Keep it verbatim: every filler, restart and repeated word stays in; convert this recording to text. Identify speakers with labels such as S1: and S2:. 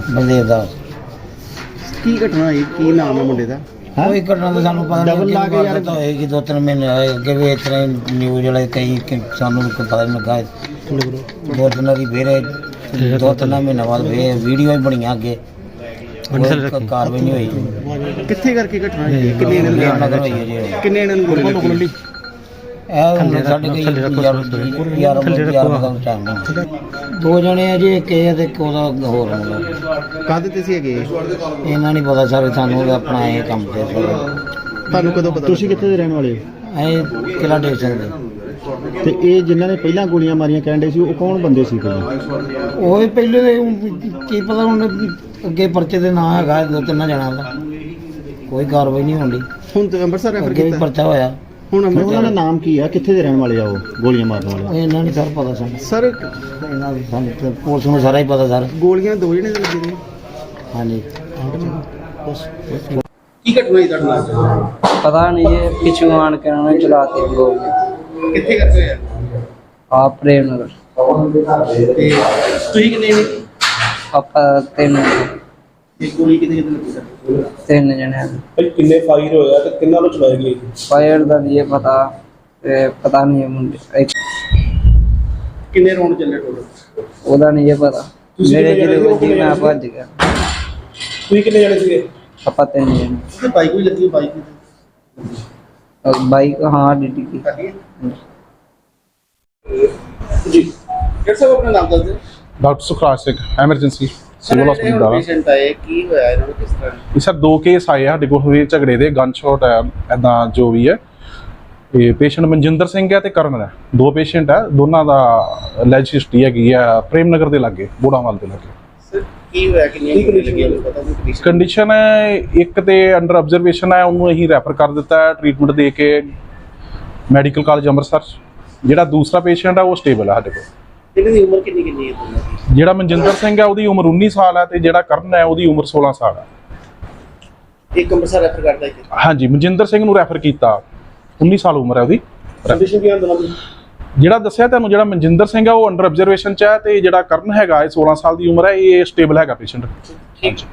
S1: ਬਲਦੇਵ ਦਾ।
S2: ਕੀ ਘਟਨਾ ਹੋਈ, ਕੀ ਨਾਮ ਹੈ ਮੁੰਡੇ ਦਾ?
S1: ਕੋਈ ਘਟਨਾ ਤਾਂ ਸਾਨੂੰ ਪਤਾ
S2: ਡਬਲ ਲਾ ਕੇ ਯਾਰ
S1: ਤਾਂ ਹੋਏਗੀ, ਦੋ ਤਿੰਨ ਮਹੀਨੇ ਹੋਏ ਅੱਗੇ ਵੀ ਇਸ ਤਰ੍ਹਾਂ ਨਿਊਜ਼ ਵਾਲੇ ਕਈ ਕਿ ਸਾਨੂੰ ਕੋਈ ਪਤਾ ਨਹੀਂ ਲੱਗਾ। ਦੋ ਤਿੰਨ ਦੀ ਫੇਰ ਦੋ ਤਿੰਨ ਮਹੀਨੇ ਬਾਅਦ ਫੇਰ ਵੀਡੀਓ ਹੀ ਬਣੀਆਂ ਅੱਗੇ, ਕੋਈ ਕਾਰਵਾਈ ਨਹੀਂ ਹੋਈ।
S2: ਕਿੱਥੇ ਕਰਕੇ ਘਟਨਾ ਹੋਈ? ਕਿੰਨੇ ਜਣੇ
S1: ਨਗਰ ਹੋਈ ਹੈ ਜੀ।
S2: ਕਿੰਨੇ ਜਣੇ ਨੂੰ ਗੋਲੀ ਲੱਗੀ?
S1: ਇਹ ਹੁਣ ਸਾਡੇ ਕੋਈ ਯਾਰ ਯਾਰ ਦਾ ਟਾਈਮ ਨਹੀਂ। ਦੋ ਜਣੇ ਆ ਜੀ, ਇੱਕ ਇਹ ਤੇ ਇੱਕ ਉਹਦਾ ਹੋਰ ਮੁੰਡਾ।
S2: ਕਾਹਦੇ ਤੇ ਸੀ ਹੈਗੇ?
S1: ਇਹਨਾਂ ਨਹੀਂ ਪਤਾ ਸਾਰੇ, ਸਾਨੂੰ ਆਪਣਾ ਇਹ ਕੰਮ ਤੇ।
S2: ਤੁਹਾਨੂੰ ਕਦੋਂ ਪਤਾ?
S3: ਤੁਸੀਂ ਕਿੱਥੇ ਦੇ ਰਹਿਣ ਵਾਲੇ ਹੋ?
S1: ਇਹ ਕਿਲਾ ਦੇ ਸਕਦੇ।
S3: ਤੇ ਇਹ ਜਿਨ੍ਹਾਂ ਨੇ ਪਹਿਲਾਂ ਗੋਲੀਆਂ ਮਾਰੀਆਂ ਕਹਿੰਦੇ ਸੀ, ਉਹ ਕੌਣ ਬੰਦੇ ਸੀ ਪਹਿਲਾਂ?
S1: ਉਹ ਵੀ ਪਹਿਲੇ ਦੇ ਕੀ ਪਤਾ, ਹੁਣ ਅੱਗੇ ਪਰਚੇ ਦੇ ਨਾਂ ਹੈਗਾ ਦੋ ਤਿੰਨ ਜਣਾਂ ਦਾ, ਕੋਈ ਕਾਰਵਾਈ ਨਹੀਂ ਹੁੰਦੀ।
S2: ਹੁਣ ਤੇ ਅੰਮ੍ਰਿਤਸਰ ਰੈਫਰ
S1: ਅੱਗੇ ਵੀ
S2: ਕੀਤਾ?
S1: ਪਰਚਾ ਹੋਇਆ।
S2: ਹੁਣ
S3: ਉਹਨਾਂ ਦਾ
S2: ਅੰਮ੍ਰਿਤਸਰ
S3: ਨਾਮ ਕੀ ਆ? ਕਿੱਥੇ ਦੇ ਰਹਿਣ ਵਾਲੇ ਆ ਉਹ ਗੋਲੀਆਂ ਮਾਰਨ ਵਾਲੇ?
S1: ਇਹਨਾਂ ਨਹੀਂ ਸਰ ਪਤਾ ਸਾਨੂੰ।
S2: ਸਰ
S1: ਇਹਨਾਂ ਦੀ ਸਾਨੂੰ ਤੇ ਪੁਲਿਸ ਨੂੰ ਸਾਰਾ ਹੀ ਪਤਾ ਸਰ।
S2: ਗੋਲੀਆਂ ਦੋ ਜਣੇ ਦੇ ਲੱਗੇ ਨੇ?
S1: ਹਾਂਜੀ।
S2: ਕੀ ਘਟਨਾ ਹੋਈ ਤੁਹਾਡੇ ਨਾਲ?
S4: ਪਤਾ ਨਹੀਂ ਜੀ, ਪਿੱਛੋਂ ਆਣ ਕੇ ਉਹਨਾਂ ਨੇ ਚਲਾਤੀ ਗੋਲੀ।
S2: ਕਿੱਥੇ ਕਰਦੇ ਹੋਇਆ?
S4: ਆਪ ਪ੍ਰੇਮ ਨਗਰ।
S2: ਤੇ ਤੁਸੀਂ ਕਿੰਨੇ ਨੇ?
S4: ਆਪਾਂ ਤਿੰਨ
S2: ਇੱਕ ਗੋਲੀ ਕਿਤੇ ਕਿਤੇ ਲੱਗੀ ਸਰ?
S4: ਤਿੰਨ ਜਣੇ ਆ।
S5: ਭਾਈ ਕਿੰਨੇ ਫਾਇਰ ਹੋਇਆ ਤੇ ਕਿੰਨਾਂ ਨੂੰ ਚਲਾਇਆ ਗਿਆ?
S4: ਫਾਇਰ ਦਾ ਨਹੀਂ ਪਤਾ, ਤੇ ਪਤਾ ਨਹੀਂ ਮੁੰਡੇ ਇੱਕ
S2: ਕਿੰਨੇ ਰਾਉਂਡ ਚੱਲੇ ਟੋਟਲ?
S4: ਉਹਦਾ ਨਹੀਂ ਪਤਾ।
S5: ਤੁਸੀਂ
S4: ਮੇਰੇ
S5: ਕਿੰਨੇ
S4: ਜਿਹੜੇ
S5: ਜਣੇ
S4: ਵੱਜੀ
S5: ਹੋ?
S4: ਮੈਂ ਭੱਜ ਗਿਆ।
S5: ਤੁਸੀਂ ਕਿੰਨੇ ਜਣੇ ਸੀਗੇ?
S4: ਆਪਾਂ ਤਿੰਨ ਜਣੇ।
S2: ਤੇ ਬਾਈਕ ਵੀ ਲੱਗੀ? ਬਾਈਕ
S4: ਅਹ ਬਾਈਕ ਹਾਂ ਡਿੱਡੀ ਕੀ।
S2: ਲੱਗੀ ਹੈ ਜੀ। ਡਾਕਟਰ ਸਾਹਿਬ ਆਪਣਾ ਨਾਮ ਦੱਸ ਦਿਓ।
S6: Doctor Sukhraj Singh, emergency civil hospital ਦਾ।
S2: ਪੇਸ਼ੈਂਟ ਆਏ, ਕੀ ਹੋਇਆ ਇਹਨਾਂ ਨੂੰ, ਕਿਸ ਤਰ੍ਹਾਂ?
S6: ਇਹ ਸਰ ਦੋ ਕੇਸ ਆਏ ਆ ਸਾਡੇ ਕੋਲ ਹੋਏ ਝਗੜੇ ਦੇ, ਗਨ ਸ਼ਾਟ ਹੈ ਐਦਾਂ ਜੋ ਵੀ ਹੈ। ਇਹ ਪੇਸ਼ੈਂਟ ਮਨਜਿੰਦਰ ਸਿੰਘ ਹੈ ਤੇ ਕਰਨ ਹੈ, ਦੋ ਪੇਸ਼ੈਂਟ ਹੈ। ਦੋਨਾਂ ਦਾ ਲੈਜ ਹਿਸਟਰੀ ਹੈਗੀ ਆ ਪ੍ਰੇਮ ਨਗਰ ਦੇ ਲਾਗੇ, ਬੋੜਾਵਾਲ ਦੇ ਲਾਗੇ।
S2: ਸਰ ਕੀ ਹੋਇਆ, ਕਿੰਨੀਆਂ ਗੋਲੀਆਂ ਲੱਗੀਆਂ ਪਤਾ ਨਹੀਂ? ਕੰਡੀਸ਼ਨ
S6: ਕੰਡੀਸ਼ਨ ਹੈ ਇੱਕ ਤੇ ਅੰਡਰ ਆਬਜ਼ਰਵੇਸ਼ਨ ਹੈ, ਉਹਨੂੰ ਅਸੀਂ ਰੈਫਰ ਕਰ ਦਿੱਤਾ ਹੈ ਟ੍ਰੀਟਮੈਂਟ ਦੇ ਕੇ ਮੈਡੀਕਲ ਕਾਲਜ ਅੰਮ੍ਰਿਤਸਰ। ਜਿਹੜਾ ਦੂਸਰਾ ਪੇਸ਼ੈਂਟ ਹੈ ਉਹ ਸਟੇਬਲ ਹੈ ਸਾਡੇ ਕੋਲ।
S2: ਇਹਨਾਂ ਦੀ ਉਮਰ ਕਿੰਨੀ ਕਿੰਨੀ ਹੈ ਦੋਨਾਂ ਦੀ?
S6: ਜਿਹੜਾ ਮਨਜਿੰਦਰ ਸਿੰਘ ਹੈ ਉਹਦੀ ਉਮਰ ਉੱਨੀ ਸਾਲ ਹੈ ਤੇ ਜਿਹੜਾ ਕਰਨ ਹੈ ਉਹਦੀ ਉਮਰ ਸੋਲਾਂ ਸਾਲ ਹੈ।
S2: ਇੱਕ ਅੰਮ੍ਰਿਤਸਰ ਰੈਫਰ ਕਰਦਾ ਹੈ?
S6: ਹਾਂਜੀ, ਮਨਜਿੰਦਰ ਸਿੰਘ ਨੂੰ ਰੈਫਰ ਕੀਤਾ, ਉੱਨੀ ਸਾਲ ਉਮਰ ਹੈ ਉਹਦੀ।
S5: ਕੰਡੀਸ਼ਨ ਕੀ ਦੋਨਾਂ ਦੀ?
S6: ਜਿਹੜਾ ਦੱਸਿਆ ਤੁਹਾਨੂੰ, ਜਿਹੜਾ ਮਨਜਿੰਦਰ ਸਿੰਘ ਹੈ ਉਹ ਅੰਡਰ ਆਬਜ਼ਰਵੇਸ਼ਨ ਚ ਹੈ ਤੇ ਜਿਹੜਾ ਕਰਨ ਹੈਗਾ ਇਹ ਸੋਲਾਂ ਸਾਲ ਦੀ ਉਮਰ ਹੈ, ਇਹ ਸਟੇਬਲ ਹੈਗਾ ਪੇਸ਼ੈਂਟ।
S2: ਠੀਕ।